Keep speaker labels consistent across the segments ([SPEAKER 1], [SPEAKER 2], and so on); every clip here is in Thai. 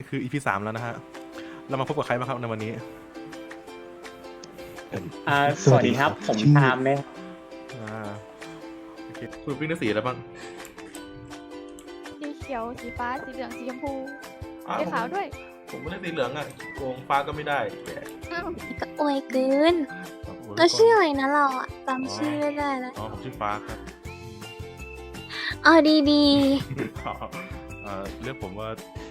[SPEAKER 1] คือ EP 3แล้วนะฮะเรามาพบกับใครบ้างครับในวันนี้
[SPEAKER 2] สวัสดีครับผมตามเลย
[SPEAKER 1] โอเคคุณวิ่งได้สีอะไรบ้าง
[SPEAKER 3] สีเขียวสีฟ้าสีเหลืองสีชมพูสีขาวด้วย
[SPEAKER 1] ผมไม่ได้สีเหลืองอ่ะโกงฟ้าก็ไม่ได้แก
[SPEAKER 4] ก็อวยเกินเราชื่ออะไรนะเราอะจำชื่อไม่ได้แล้ว
[SPEAKER 1] ผมชื่อฟ้าครับ
[SPEAKER 4] อ๋อดี
[SPEAKER 1] เรียกผมว่า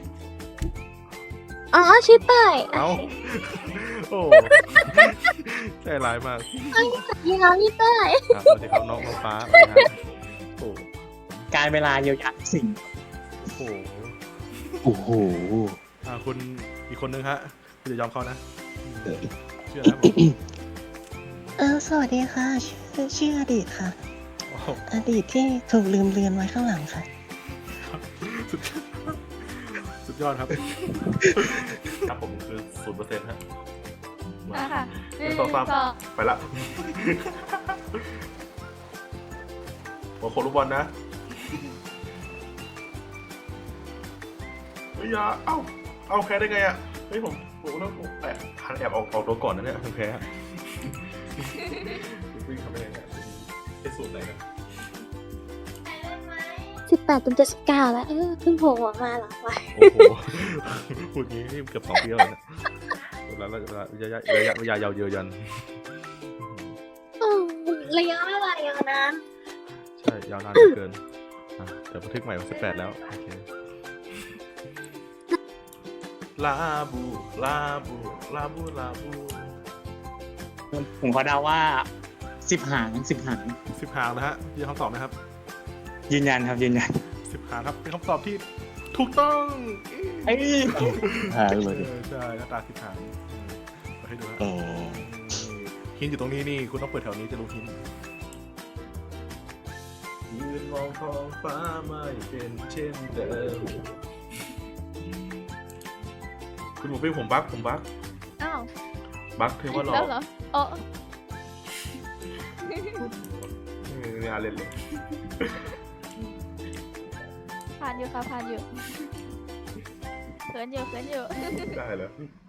[SPEAKER 4] อ๋อชื่อเต้ย
[SPEAKER 1] เอ้าโอ้ใจร้ายมาก
[SPEAKER 4] ยี่ห้อพี่เต้ย
[SPEAKER 1] สวัสดีครับน้องฟ้าสวัสดีครับโอ้
[SPEAKER 2] การเวลาเยียวยาสิ่ง
[SPEAKER 1] โห
[SPEAKER 5] โอ้โห
[SPEAKER 1] คุณอีกคนนึงฮะคุณจะยอมเขานะชื่ออะไรครับผม
[SPEAKER 5] สวัสดีค่ะ ชื่ออดีตค่ะ
[SPEAKER 1] โอ้โห
[SPEAKER 5] อดีตที่ถูกลืมเลือนไว้ข้างหลังค่ะ
[SPEAKER 1] สุดยอดครับ ครับผมคือ0%ฮะ
[SPEAKER 3] ค่ะ
[SPEAKER 1] 1 2 3ไปละหัวโคลูกบอลนะเฮ้ยอย่าเอาแพ้ได้ไงอ่ะเฮ้ยผมต้องแอบออกตัวก่อนนะเนี่ยแพ้วิ่งทำได้ไงเนี่ยไอ้สูตรไหนนะ
[SPEAKER 4] 18 จน 79แล้วเพิ่งโผล่ออกมาเหรอวะ
[SPEAKER 1] โอ้โหพูดงี้นี่เกือบ2 ปีแล้วเนี่ยแล้วระยะยาวเยือยัน
[SPEAKER 4] ระยะเวลายาวนาน
[SPEAKER 1] ใช่ยาวนานเหลือเกินเดี๋ยวบันทึกใหม่วัน18แล้วโอเคลาบูลาบูลาบูลาบู
[SPEAKER 2] ผมขอเดาว่า10 หาง10 หาง
[SPEAKER 1] 10 หางนะฮะยืนคำตอบนะครับ
[SPEAKER 2] ยืนยันครับยืนยัน
[SPEAKER 1] 10 หางครับเป็นคำตอบที่ถูกต้อง
[SPEAKER 2] เอ้ย
[SPEAKER 5] หางเลย
[SPEAKER 1] ใช่หน้าตา10 หางมาให้ดูฮะ
[SPEAKER 5] อ๋อ
[SPEAKER 1] หินอยู่ตรงนี้นี่คุณต้องเปิดแถวนี้จะรู้หินยืนมองท้องฟ้าไม่เป็นเช่นเดิมคุณหมูปิ้งผมบัก
[SPEAKER 3] อ้าว
[SPEAKER 1] บักเทว่าหลอ
[SPEAKER 3] แล้ว
[SPEAKER 1] ก
[SPEAKER 3] เหรออ๋อ
[SPEAKER 1] ไม่น่าเล่นเลย
[SPEAKER 3] ผ่านอยู่ค่ะผ่านอยู่เขินอยู่
[SPEAKER 1] ได้แล้ว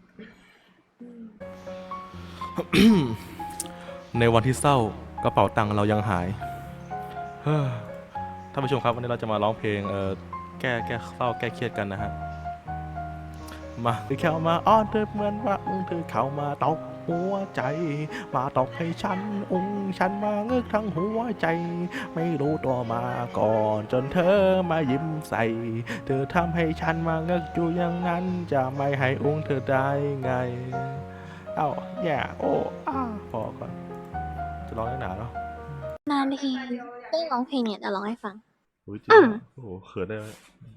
[SPEAKER 1] ในวันที่เศร้ากระเป๋าตังค์เรายังหายท่านผู้ชมครับวันนี้เราจะมาร้องเพลงแก้เศร้าแก้เครียดกันนะฮะมาเธอเข้ามาอ้อนเธอเหมือนว่าเธอเข้ามาตอกหัวใจมาตอกให้ฉันฉันมาเงือกทั้งหัวใจไม่รู้ตัวมาก่อนจนเธอมายิ้มใส่เธอทำให้ฉันมาเงือกอยู่อย่างนั้นจะไม่ให้เธอได้ไงเอ้าแย่โอ้พอก่อนจะร้องได้หนาแล้ว
[SPEAKER 4] นานทีได้ร้องเพลงเนี่ยจะร้องให้ฟัง
[SPEAKER 1] จริงโอ้โหเขินได้ไหม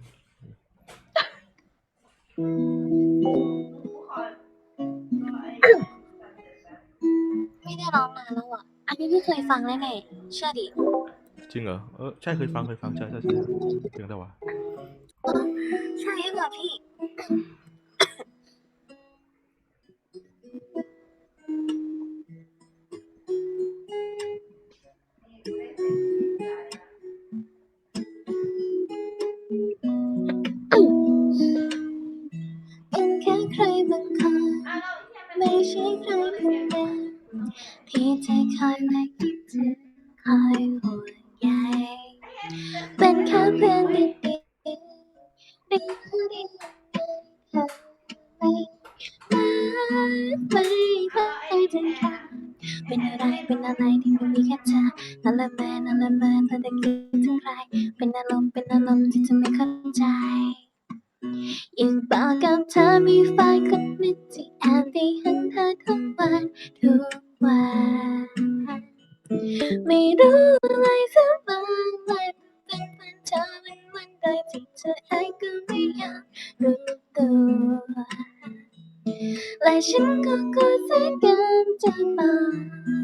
[SPEAKER 4] ไม่ได้ร้องนานแล้วอ่ะ อันนี้พี่เคยฟังแน่ๆเชื่อดิ
[SPEAKER 1] จริงเหรอใช่เคยฟังใช่เพลงอะไรวะ
[SPEAKER 4] ใช่เหรอพี่เป็นแค่ใครบางคนไม่ใช่ใครคนเดิมที่เธอคอยมาคิดถึงคอยห่วงใยเป็นแค่เพื่อนดีๆดีเธอไม่เคยถึงค่ะเป็นอะไรที่มันมีแค่เธอนั่นแหละแม่เธอได้คิดถึงใครเป็นอารมณ์ที่เธอไม่เข้าใจยังบอกกับเธอมีแฟนคนหนึ่งที่แอบได้เห็นเธอทุกวันไม่รู้อะไรสักบางวันเป็นแฟนเธอเป็นวันใดที่เธอเองก็ไม่อยากรู้ตัวและฉันก็กลัวเสียเกินจะบอก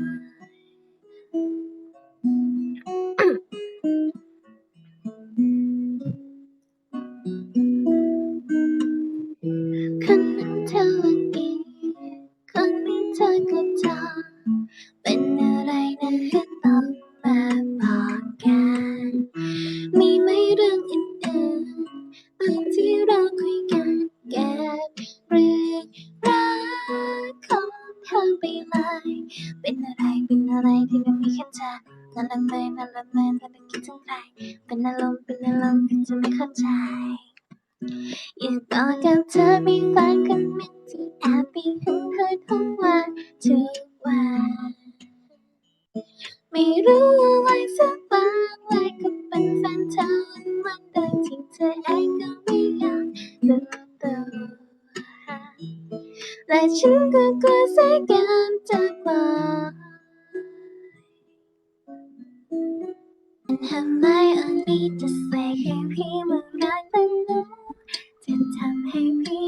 [SPEAKER 4] คนนั้นเธอวันนี้คนนี้เธอก็จอเป็นอะไรนะก็ต้องมาบอกกันมีไหมเรื่องอื่นๆบางที่เราคุยกันแก้นั่นละเมอนั่นละเมอนั่นละคิดถึงใครเป็นอารมณ์ที่จะไม่เข้าใจอยากบอกกับเธอมีแฟนคนหนึ่งที่แอบไปหึงเธอทุกวันทุกวันไม่รู้อะไรสักบางและก็เป็นแฟนเธอวันโดยที่เธอเองก็ไม่อยากรู้ตัวและฉันก็กลัวเสียการจากไปAm I only just like ให้พี่มารักมันรู้จะทำให้พี่